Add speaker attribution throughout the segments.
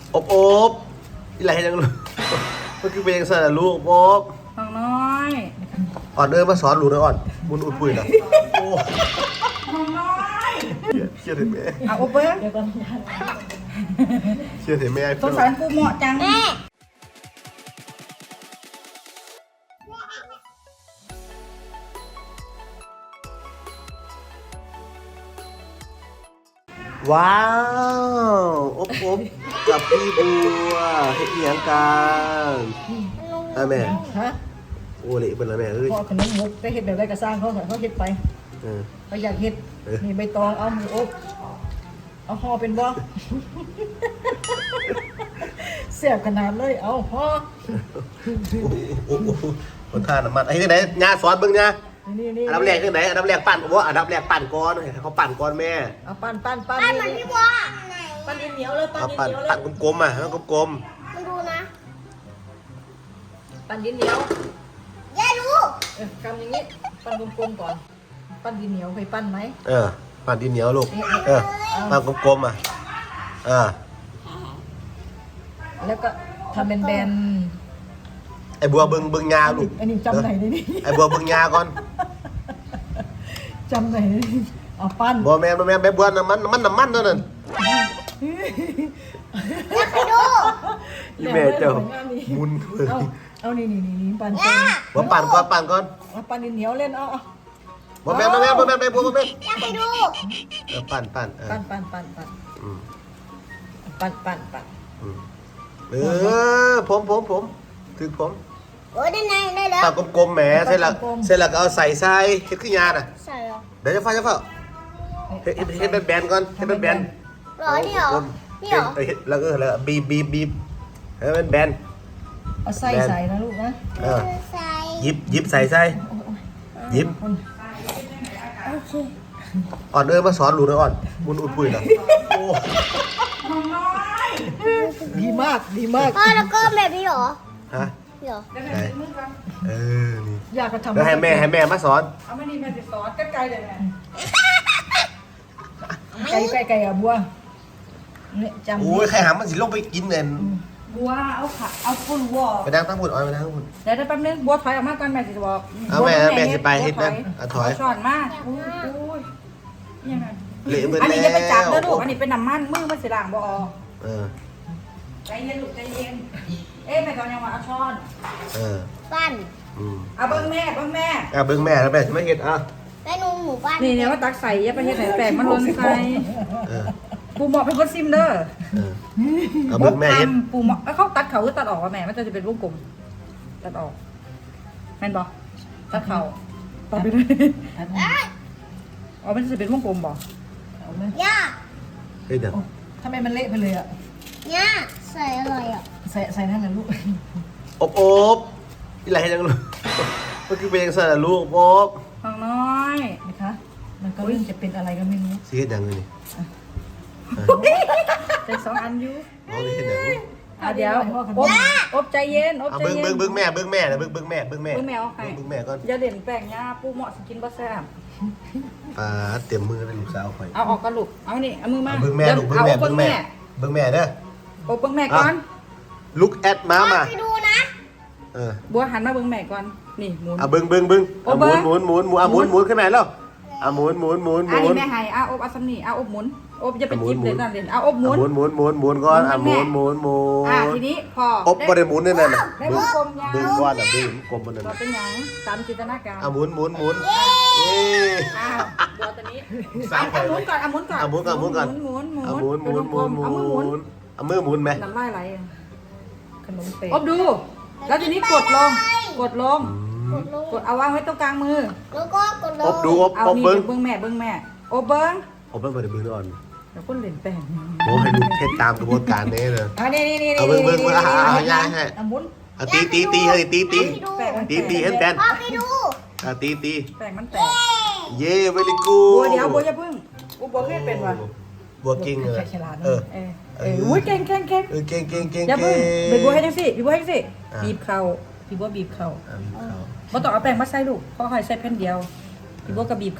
Speaker 1: อบอีไหลยังลูกมันคือเป็นยังไงลูกอบ
Speaker 2: ฟังน้อย
Speaker 1: อ่อนมาสอนลูกนะอ่อนมุนอุ่นปุยนะโอ้
Speaker 2: ฟังน้อย
Speaker 1: เชื่อถือแม่
Speaker 2: เอาอบเบิ้ง
Speaker 1: เชื่อถือแม่
Speaker 2: สงสารปูเหมาะจัง
Speaker 1: ว้าวอบกับพี่บัวเฮ็ดเหียงกันแม่
Speaker 3: ฮะ
Speaker 1: โอ้เละเป็นแล้วแม่เอ้ย
Speaker 3: พ่อขนมมุกได้เห็ดแบบไรก็สร้างเขาเห็ดไปเขาอยากเห็ดนี่ใบตองเอาหมูอบเอาห่อเป็นบ่เสียบขนาดเลยเอาห่อ
Speaker 1: โอ้คนทานน้ำมันไอ้ที่ไหนยาสอนเบิ่งยา
Speaker 3: นี่
Speaker 1: อันดับแรกที่ไหนอันดับแรกปั่นว่าอันดับแรกปั่นก้อนให้เขาปั่นก้อนแม่
Speaker 3: เอาปั้นมันพี่บัวปั้นดินเหนียวเลยปั้น
Speaker 1: เอา
Speaker 3: ดิน
Speaker 1: ปั่น
Speaker 3: เหนียวเลย
Speaker 1: ปั่นกลมๆอ่ะให้มันกลม
Speaker 4: มันดูนะ
Speaker 3: ปั้นดินเหนียว
Speaker 4: อย่าดู
Speaker 3: กำอย่างนี้ปั้นกลมๆก่อนปั้นดินเหนียวเคยปั้นไหม
Speaker 1: ปั่นดินเหนียวลูกปั่นกลมๆอ่ะ
Speaker 3: แล้วก็ทำเป็นแบน
Speaker 1: ไอ้บัวเบิ่งยาลูก
Speaker 3: อันนี้จำไหนได้นี่
Speaker 1: ไอ้บัวเบิ่งยาก่อน
Speaker 3: จำไหนได้นี่เอาปั้น
Speaker 1: บัวแม่แม่บัวน้ำมันเท่านั้น
Speaker 4: อย่าไปดู
Speaker 1: อีแม่เจ้ามุนเลย
Speaker 3: เอานี่ปั้น
Speaker 1: บัวปั่นก่อน
Speaker 3: เอาปั้นดินเหนียวเล่นเอา
Speaker 1: บัวแม่ไปบัวแม่
Speaker 4: อย่าไปดู
Speaker 1: ปั่น
Speaker 3: ปั้น
Speaker 1: ผมถึงผม
Speaker 4: โอ้ยได้ไงได้แล้ว
Speaker 1: ปั่นกลมๆแหมเสร็จแล้วก็เอาใส่ทรายเฮ็ดขึ้นยาน่ะ
Speaker 4: ใส่เหรอ
Speaker 1: เดี๋ยวจะเฝ้าเฮ็ดเป็นแบนก่อนเฮ็ดเป็นแบน
Speaker 4: หรอนี่เหรอนี่เหรอ
Speaker 1: แล้วก็บีบให้มันแบน
Speaker 3: เอาใส่นะลูกนะ
Speaker 4: ใส่
Speaker 1: หยิบใส่หยิบ
Speaker 4: โอเค
Speaker 1: อ่อนมาสอนลูกนะอ่อนมุนอุ่นปุยนะโอ้
Speaker 2: ฟังน้อย
Speaker 3: ดีมาก
Speaker 4: พ่อแล้วก็แบบนี้เหรอ
Speaker 1: ฮะ
Speaker 4: เหรอ
Speaker 2: เดี๋ยวให้มือกัน
Speaker 1: นี่
Speaker 3: อยากจะทำ
Speaker 1: แล้วให้แม่มาสอน
Speaker 2: เอาไม่ดีแม่ติดซอสใกล้ๆเลยแม่
Speaker 3: ไก่อะบัวเนี่ยจำ
Speaker 1: โอ้ยใครหามันสิลงไปกินเงิน
Speaker 2: บัวเอาผักเอาปูวัว
Speaker 1: ไปนั่งตั้งหุ่นอ่อนไปนั่งหุ่น
Speaker 2: เดี๋ยวแป๊บนึงบัวถอยออกมาก่อนแม่สิจะบอก
Speaker 1: เอาแม่สิไปเฮ็ดนั่นถอย
Speaker 2: ช้อนมาอุ้ยยังไง
Speaker 1: เละเบิ่
Speaker 2: อันนี้จะไปจับเด้อลูก
Speaker 1: แล้ว
Speaker 2: อันนี้เป็นน้ำมันมือมันสิล้างบ่ออก
Speaker 1: ใจ
Speaker 2: ใจเย็นลูกใจเย็นเอ๊ะแม่ตอนยังว่าเอาช้อน
Speaker 4: ปั้น
Speaker 2: เอาเบิ้งแม่
Speaker 1: เบิ่งแม่แล้วแม่สิมาเฮ็ด
Speaker 4: ได้นูหมูปั้น
Speaker 2: นี่เนี่ยว่าตักใส่อย่าไปเฮ็ดให้แปลกมันล้นใส่ปูหมอกเป็นคนซิมเด้อ
Speaker 1: เอาเบิ่งแม่เฮ็ด
Speaker 2: ปูหมอกเขาตัดเขาหรือตัดออกวะแม่มันจะเป็นวงกลมตัดออกแม่นบ่ตัดเขาตัดไปเลยอ๋อมันจะเป็นวงกลมบ่
Speaker 3: เอาไหม
Speaker 4: ย่า
Speaker 1: เฮ็ดเด้อ
Speaker 3: ทำไมมันเละไปเลยอะ
Speaker 4: ย่าใส่อะไรอ่ะ
Speaker 3: ใส่นั่นนะลูก
Speaker 1: อบอีไหลยังลูกมันคือเป็นยังไงลูกอบ
Speaker 2: ฟังน้อย
Speaker 3: นะคะมันก็เริ่มจะเป็นอะไรก็ไม่รู้
Speaker 1: สิเฮ็ดหยังนี่
Speaker 2: ใส่สองอันอยู่
Speaker 1: เอาไปเฮ็ดหยัง
Speaker 2: เดี๋ยวอบใจเย็นอบใจ
Speaker 1: เบิ่ง
Speaker 2: เย็น
Speaker 1: เบิ่งแม่นะเบิ่งแม่ก่อน
Speaker 2: เบิ่งแมวอย่าเด่นแป้งย่าปูเหมาะสิกินบ่แซ่บ
Speaker 1: เตรียมมือเลยลูกสาวข่อย
Speaker 2: เอาออกกันลูกเอานี่เอามือมา
Speaker 1: เบิ่งแม่ลูกเบิ่งแม่เบิ่งแม่เด้อ
Speaker 2: อบเบิ่งแม่ก่อน
Speaker 1: ลุกแอดมา
Speaker 4: ไปดูนะ
Speaker 2: บัวหันมาเบิ่งแม่ก่อนนี่หมุน
Speaker 1: เบิ่งหมุนขึ้นมาแล้วหมุน
Speaker 2: อันนี้แม่ให้อบอัสนี่อบหมุนอบอย่าไปจิ้มเลยนั่นเด่นอบหมุน
Speaker 1: หมุนก่อนหมุน
Speaker 2: ทีนี้พอ
Speaker 1: อบบ่ได้หมุนนั่นน่ะ
Speaker 2: ได้วงกลมยาว
Speaker 1: ดึงก่อนดึงกลมมันนั่น
Speaker 2: เราเป็นหยังตามจินตนาการ
Speaker 1: หมุนเอ้
Speaker 2: บัวตัวนี้หมุนก่อนหมุนก่อน
Speaker 1: หมุน
Speaker 2: เอามือหมุน
Speaker 1: เอามือหมุนไหม
Speaker 2: น้ำลายไหล
Speaker 3: ขนมเป๊ะ
Speaker 2: อบดู แล้วทีนี้กดลง
Speaker 4: กดลง
Speaker 2: กดเอาวางไว้ตรงกลางมือ
Speaker 4: แล้วก็กดล
Speaker 1: อบ
Speaker 4: ง
Speaker 1: ดูอบ
Speaker 2: เอา
Speaker 1: อบ
Speaker 2: นี่
Speaker 1: เบิ้ง
Speaker 2: เบิ้งแม่อบเบิ้ง
Speaker 1: อบเบิ้งบ่ได้เบิ้งอ่อน
Speaker 2: แล้วก็เล่นแป้ง
Speaker 1: โอ้ให้ลูกเทศตามกระบวนการนี้เลย
Speaker 2: นี่
Speaker 1: เอาเบิ้งย่าให้
Speaker 3: เอาหมุน
Speaker 1: ตีให้ตี
Speaker 4: ให้ดู
Speaker 1: ตีเห็นแบน
Speaker 4: พ่อไปดู
Speaker 1: ตี
Speaker 2: แป้งมันแตก
Speaker 1: เย่เวลิกู
Speaker 2: บัวเดี๋ยวบัวอย่าพึ่งบัวเคยเป็นวะ
Speaker 1: บัวเก่งเลย
Speaker 3: ฉลาด
Speaker 2: อุ้ยเก่ง
Speaker 1: เก่ง
Speaker 2: อย่าพึ่งเป็นบัวให้จังสิบีบัวให้จังสิบีบเข่า
Speaker 3: พี่บัวบีบเข่า
Speaker 2: บ่ต้องเอาแป้งมาใส่ลูกเพราะให้ใส่แผ่นเดียวบีบัวก็บีบเข่า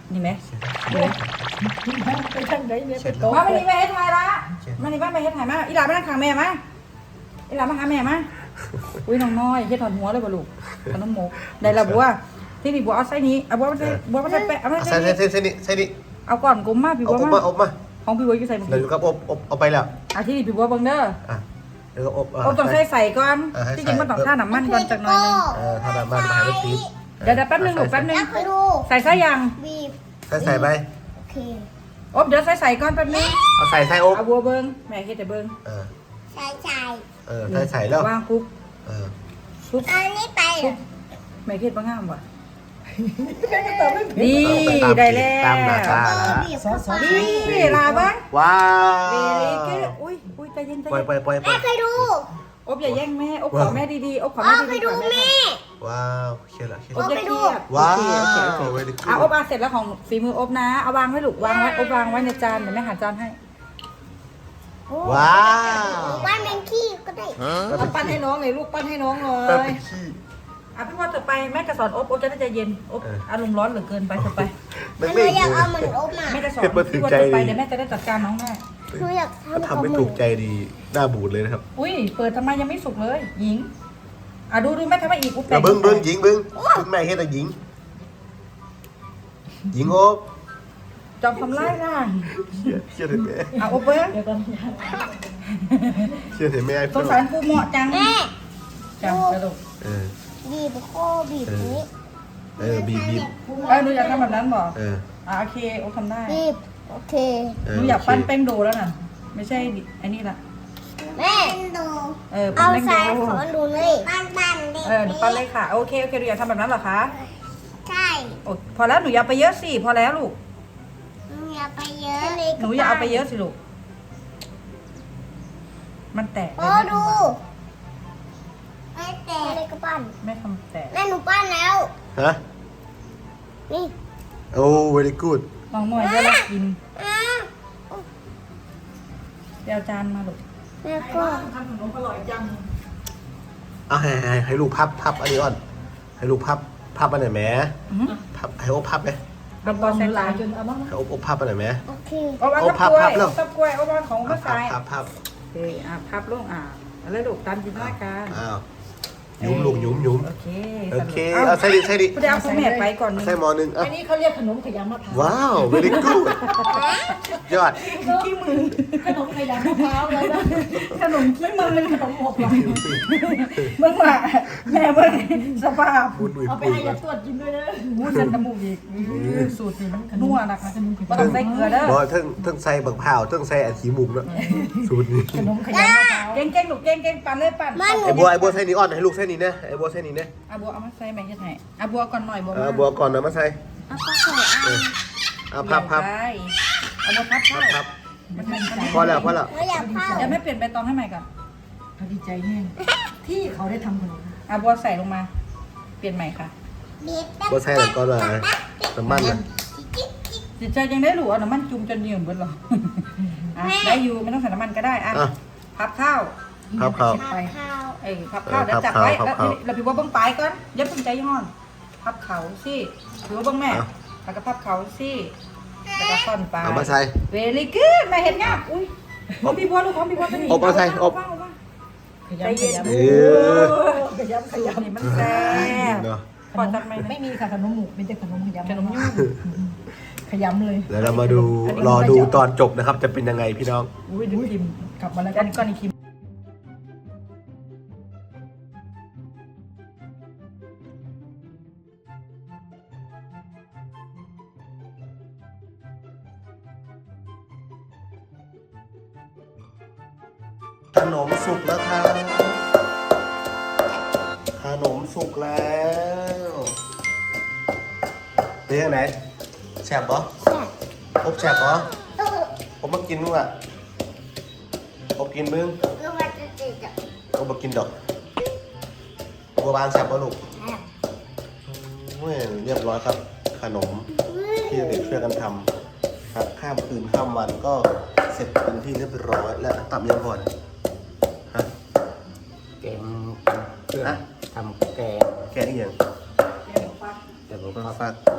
Speaker 2: นี่ไหม
Speaker 3: ไปทางไหนเนี่ยไปโต๊ะ
Speaker 2: มาวันนี้แม่เฮ็ดไทยละมานี่บ้านแม่เฮ็ดไทยมาอีหลาไปนั่งข้างแม่มาอีหลามาหาแม่มาอุ้ยน้องน้อยเฮ็ดถอนหัวเลยบ่ลูกขนมหมกได้ละบัวที่นี่บัวเอาไส้นี้เอาบัวมาใส่แปะเอามาใส่
Speaker 1: ใส่นี่
Speaker 2: เอาก่อนกุ้มมาพี่บัว
Speaker 1: อบ
Speaker 2: มา
Speaker 1: มา
Speaker 2: ของพี่บัวอยู่ใส่หม
Speaker 1: เดี๋ยวครับอบเอาไปแล้ว
Speaker 2: อ่ะที่นี่พี่บัวเบิ่งเด้อ
Speaker 1: เดี๋ยวอบ
Speaker 2: อบต้องใส่ก่อนที่จริงมันต้องท่าน้ำมันก่อนจักหน่อยนึง
Speaker 1: ถ้าน้ำมันหายไปที
Speaker 2: เดี๋ยวแป๊บนึงลูกแป๊บนึง
Speaker 4: แล้วไปดู
Speaker 2: ใส่ไส้ยัง
Speaker 4: บีบ
Speaker 1: ใส่ไป
Speaker 4: โอเค
Speaker 2: อบเดี๋ยวใส่ก่อนแป๊บนึง
Speaker 1: เอาใส่อบ
Speaker 2: เอาบัวเบิ่งแม่เฮ็ดแต่เบิ่ง
Speaker 4: ใส่ใจ
Speaker 1: ใส่แล้ว
Speaker 2: วางปุ๊บ
Speaker 4: อันนี้ไปเหรอ
Speaker 2: แม่เฮ็ดบ่งามว่ะ
Speaker 3: ตอบไม่ผิด
Speaker 2: นี่ได้แล้ว
Speaker 1: ตามหน้าตา
Speaker 4: บีบ
Speaker 3: ซอส
Speaker 2: นี่ลาบ้าง
Speaker 1: ว้า
Speaker 2: เว
Speaker 1: ว
Speaker 2: ลีคืออุ้ยใจเย็นใจ
Speaker 1: ปล่อย
Speaker 2: เย็น
Speaker 1: ปล่อย
Speaker 4: แม่เคยดู
Speaker 2: อบอย่าแย่งแม่อบขอแม่ดีๆอบขอ
Speaker 4: อ๋อ
Speaker 2: แม่
Speaker 4: เคย
Speaker 2: ดีๆ
Speaker 4: ดู
Speaker 2: ก่อน
Speaker 4: แม่
Speaker 1: ว้าวเขียนละเขียน
Speaker 2: อบ
Speaker 1: ละ
Speaker 2: อย่าเครียด
Speaker 1: ว้าว
Speaker 2: โอเคอ่ะอบเสร็จแล้วของฝีมืออบนะเอาวางไว้ลูกวางไว้อบวางไว้ในจานเดี๋ยวแม่หาจานให้
Speaker 1: ว้าว
Speaker 4: บ้านแมงขี้ก็ได้
Speaker 3: เอาปั้นให้น้องเลยลูกปั้นให้น้องเล
Speaker 1: แป๊บ
Speaker 3: ย
Speaker 1: ขี้
Speaker 2: อ่ะพี่ว่าเถอะไปแม่จะสอนอบจะได้ใจเย็นอบอารมณ์ร้อนเหลือเกินไปเถอะไป
Speaker 1: มัน
Speaker 4: หนู
Speaker 1: ไม่
Speaker 4: อยากเอาเหมือนอบมา
Speaker 2: แม่จะสอนพี่ว่าเถอะไปเดี๋ยวแม่จะได้จัดการน้องแม่
Speaker 4: หนูอยาก
Speaker 1: ถ้าทำไม่ถูกใจดีหน้าบูดเลยนะครับ
Speaker 2: อุ้ยเปิดทำไมยังไม่สุกเลยหญิงอ่ะดูแม่ทำไมอีกอุ๊บ
Speaker 1: เดี๋ยวเบิ้งหญิงเบิ้งคุณแม่เฮ็ดแต่หญิงหญิงโอบ
Speaker 2: จอมทำไล่ล่ะ
Speaker 1: เชื่อถือแม่
Speaker 2: อ่ะอบเบิ้ง
Speaker 3: เดี๋ยวก่อน
Speaker 1: เชื่อถือแม่
Speaker 2: สงสารปูเหมาะจัง
Speaker 4: แม่
Speaker 2: จังกระดูก
Speaker 4: บีบโคบีบนี้
Speaker 1: บีบ
Speaker 2: หนูอยากทำแบบนั้นบ่โอเคโอ้ทำได้
Speaker 4: บีบโอเค
Speaker 2: หนูอยากปั้นแป้งโดแล้วน่ะไม่ใช่ไอ้นี่ละ
Speaker 4: แม่ดู
Speaker 2: ปั้
Speaker 4: เอา
Speaker 2: นแป้งโด
Speaker 4: ใส่ขอดูเลยปั้นเด็ก
Speaker 2: หนูปั้นเลยค่ะโอเคหนูอยากทำแบบนั้นเหรอคะ
Speaker 4: ใช่
Speaker 2: โอ้พอแล้วหนูอย่าไปเยอะสิพอแล้วลูก
Speaker 4: หนูอย่าไปเยอะ
Speaker 2: หนูอย่าเอาไปเยอะสิลูกมันแตก
Speaker 4: โอ้ดูไม่แตกเลยก็ปั้น
Speaker 2: แม่ทำแตก
Speaker 4: แม่หนูปั้นแล้ว
Speaker 1: ฮะ
Speaker 4: นี่
Speaker 1: โอ้ very good
Speaker 2: น้องหน่อยเวลากิน
Speaker 4: อ่า
Speaker 2: เดี๋ยวจานมาลูก
Speaker 4: แล้วก็
Speaker 3: ทำขนมอร่อยจัง
Speaker 1: เอาให้ลูกพับอันนี้ก่อนให้ลูกพับอันไหนแม่พับให้โอบพับไหม
Speaker 2: เอาบอลใส่
Speaker 3: หลา
Speaker 2: จายน
Speaker 3: จนเอาบ้าง
Speaker 1: ให้โอบพับอันไหนแม่
Speaker 4: โอเค
Speaker 2: เอาวาง
Speaker 1: โอ้
Speaker 2: กับกล้วย
Speaker 1: พับแล้ว
Speaker 2: กับกล้วยเอาวางของก็ใส่
Speaker 1: พับ
Speaker 2: โอเคพับลงแล้วลูกตามจินตนาการ
Speaker 1: อ้าวยุ้มลูกยุ้ม
Speaker 2: โอเค
Speaker 1: โอเคเอาใส่ดิ
Speaker 2: กูจะเอาคุณแม่ไปก่อนนึง
Speaker 1: ใส่หมอหนึ่งอ่ะ
Speaker 3: อันนี้เขาเรียกขนมขยำมะพร้าว
Speaker 1: ว้าว very good ยอด
Speaker 2: ขี้มือ
Speaker 3: ขนมขยำมะพร้าวเลยนะ
Speaker 2: ขนมขี้มือ
Speaker 3: เป็นขนมหมกหรอ
Speaker 2: เมื่อว่าแม่เมื่อสภาพ
Speaker 1: พูดดุย
Speaker 3: เอาไป
Speaker 1: ปุย
Speaker 3: ให้
Speaker 1: กั
Speaker 3: ยาน ตรวจกินด้วยนะ
Speaker 2: มูสันตมูกอีกสูตรนี่มันนัวนะคะก็ต้องใส่เกลือเด้อ
Speaker 1: บอกทั้งใส่บักเผาทั้งใส่อันขี้มุกเนาะสูตรนี้
Speaker 3: ขนมขยำมะพร้าว
Speaker 2: เก่งลูกเก่งปั่นเลยปั่น
Speaker 1: ไอ้บัวใส่นี่อ่อนให้ลูกใส่นี่นะไอ้บัวใส่นี่นะ
Speaker 2: บัวเอามาใส่แม่จะไหนบัวก่อนหน่อยบัว
Speaker 1: บัวก่อนนะมาใส่
Speaker 4: เอาก็ใส่เอา
Speaker 1: เอาพับ
Speaker 2: เอาบัวพับเข้า
Speaker 1: พับ
Speaker 2: มันเป็น
Speaker 1: พอแล้ว
Speaker 4: หนูอยากเข้า
Speaker 2: เดี๋ยวแม่เปลี่ยนใบตองให้ใหม่ก่อน
Speaker 3: เขาดีใจแน่ที่เขาได้ทำขนม
Speaker 2: บัวใส่ลงมา เปลี่ยนใหม่ค่ะ
Speaker 4: บีบ
Speaker 1: บัวใส่แล้วก็เลยน้ำมันนะ
Speaker 2: จิตใจยังได้หรูน้ำมันจุ่มจนเหนียวเบิดหรอได้อยู่ไม่ต้องใส่น้ำมันก็ได้พับข้าว
Speaker 1: พับเขา
Speaker 4: ไปข้าว
Speaker 2: พับข้าวเดี๋ยวจับไว้แล้วพี่ว่าเบิ้งปลายก่อนอย่าเพิ่งใจย้อนพับเขาสิพี่ว่าเบิ้งแม่แล้วก็พับเขาสิแล้วก็ซ่อนปลาย
Speaker 1: เอามาใส่
Speaker 2: เวลี่กูดแม่เห็นงามอุ้ยของพี่บัวลูกของพี่บัวเป็น
Speaker 1: อบมาใส่อบ
Speaker 3: ขยำขยำ
Speaker 1: เออ
Speaker 3: ขยำขยำ
Speaker 2: นี่มันแซ่บ
Speaker 1: เนาะ
Speaker 2: พอจัดไหม
Speaker 3: ไม่มีค่ะขนมหมูเป็นแต่ขนมขยำ
Speaker 2: ขนมยุ่ง
Speaker 3: ขยำเลย
Speaker 1: แล้วเรามาดูรอดูตอนจบนะครับ จะเป็นยังไงพี่น้อง
Speaker 2: อุ้ยดูคิม
Speaker 3: กลับมาแล้ว
Speaker 2: อันนี้ก่อนอีกคิม
Speaker 1: ขนมสุกแล้วครับขนมสุกแล้วเป็นยังไงแฉบปะ
Speaker 4: แซ่บ
Speaker 1: อบแฉบปะผมมากินมึงอ่ะอบกินมึง
Speaker 4: ลูกมันจะติดอ่ะ
Speaker 1: อบมากินดอกบัวบานแฉบปะลูกเรียบร้อยครับ ขนมที่เด็กช่วยกันทำครับข้ามคืนข้ามวันก็เสร็จเป็นที่เรียบร้อยและตับยังก่อนฮะ
Speaker 5: แกงเครื่อง
Speaker 1: ฮะ
Speaker 5: ทำแกง
Speaker 1: แกะอีกอย่าง
Speaker 5: แต่ผมก็
Speaker 1: ฝาก